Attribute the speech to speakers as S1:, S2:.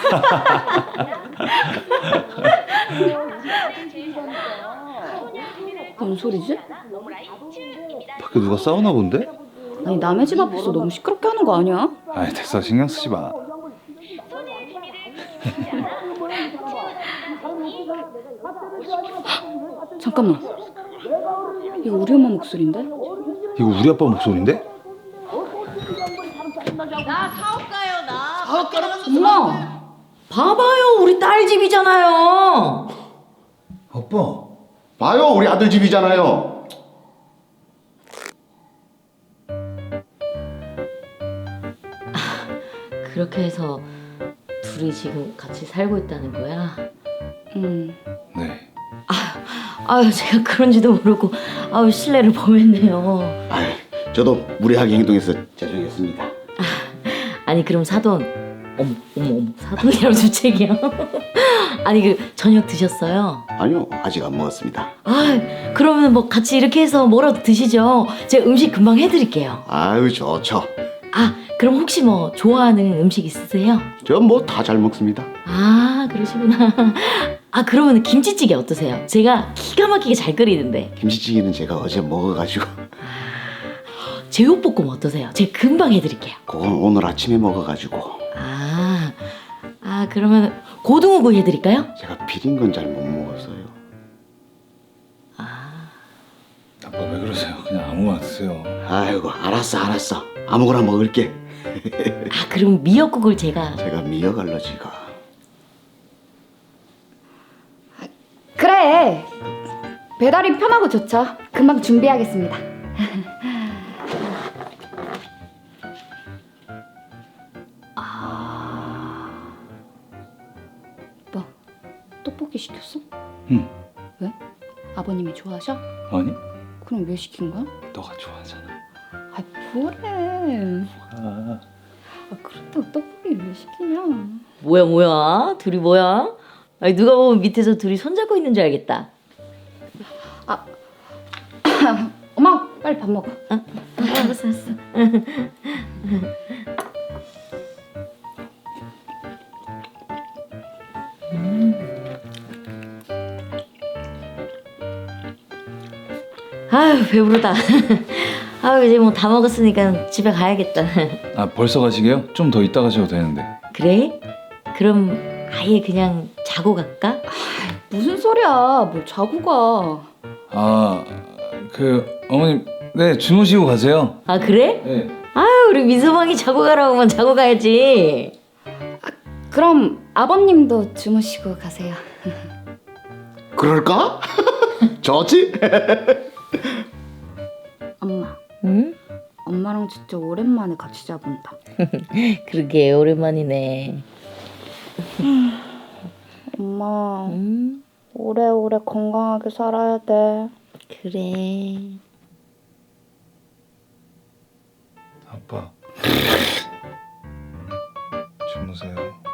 S1: 뭔 소리지?
S2: 밖에 누가 싸우나 본데?
S1: 아니 남의 집 앞에서 너무 시끄럽게 하는 거 아니야?
S2: 아이 됐어 신경 쓰지 마.
S1: 잠깐만. 이거 우리 엄마 목소리인데?
S2: 이거 우리 아빠 목소리인데?
S3: 나 사업가요 나.
S1: 엄마!
S3: 봐봐요 우리 딸 집이잖아요.
S2: 아빠.
S4: 봐요, 우리 아들 집이잖아요.
S3: 그렇게 해서 둘이 지금 같이 살고 있다는 거야?
S2: 네.
S3: 아유 제가 그런지도 모르고 아유 실례를 범했네요.
S4: 아유, 저도 무례하게 행동해서 죄송했습니다.
S3: 아니 그럼 사돈 어머 사돈이라고 주책이야. 아니 그 저녁 드셨어요?
S4: 아니요, 아직 안 먹었습니다.
S3: 아 그러면 뭐 같이 이렇게 해서 뭐라도 드시죠. 제가 음식 금방 해드릴게요.
S4: 아유, 좋죠.
S3: 아 그럼 혹시 뭐 좋아하는 음식 있으세요?
S4: 저 뭐 다 잘 먹습니다.
S3: 아 그러시구나. 아 그러면 김치찌개 어떠세요? 제가 기가 막히게 잘 끓이는데.
S4: 김치찌개는 제가 어제 먹어가지고
S3: 제육볶음 어떠세요? 제가 금방 해드릴게요.
S4: 그건 오늘 아침에 먹어가지고
S3: 그러면 고등어구이 해드릴까요?
S4: 제가 비린 건 잘 못 먹었어요.
S2: 아빠 왜 그러세요? 그냥 아무거나 드세요.
S4: 아이고, 알았어. 아무거나 먹을게.
S3: 아 그럼 미역국을 제가
S4: 미역 알러지가.
S1: 그래! 배달이 편하고 좋죠. 금방 준비하겠습니다. 뭐, 떡볶이 시켰어?
S2: 응.
S1: 왜? 아버님이 좋아하셔?
S2: 아니?
S1: 그럼 왜 시킨 거야?
S2: 너가 좋아하잖아.
S1: 아 뭐래?
S2: 아.
S1: 그렇다고 떡볶이를 왜 시키냐?
S3: 뭐야 둘이 뭐야? 아니 누가 보면 밑에서 둘이 손잡고 있는 줄 알겠다.
S1: 엄마 빨리 밥 먹어.
S3: 알았어. 아유 배부르다. 아유 이제 뭐 다 먹었으니까 집에 가야겠다.
S2: 아 벌써 가시게요? 좀 더 이따 가셔도 되는데.
S3: 그래? 그럼 아예 그냥 자고 갈까?
S1: 무슨 소리야? 뭘 자고 가?
S2: 아 그 어머님 네 주무시고 가세요.
S3: 아 그래?
S2: 네.
S3: 아유 우리 민서방이 자고 가라고 하면 자고 가야지.
S1: 그럼 아버님도 주무시고 가세요.
S4: 그럴까? 좋지?
S1: 엄마,
S3: 응?
S1: 엄마랑 진짜 오랜만에 같이 자본다.
S3: 그러게 오랜만이네.
S1: 엄마,
S3: 응?
S1: 오래오래 건강하게 살아야 돼.
S3: 그래.
S2: 아빠 주무세요.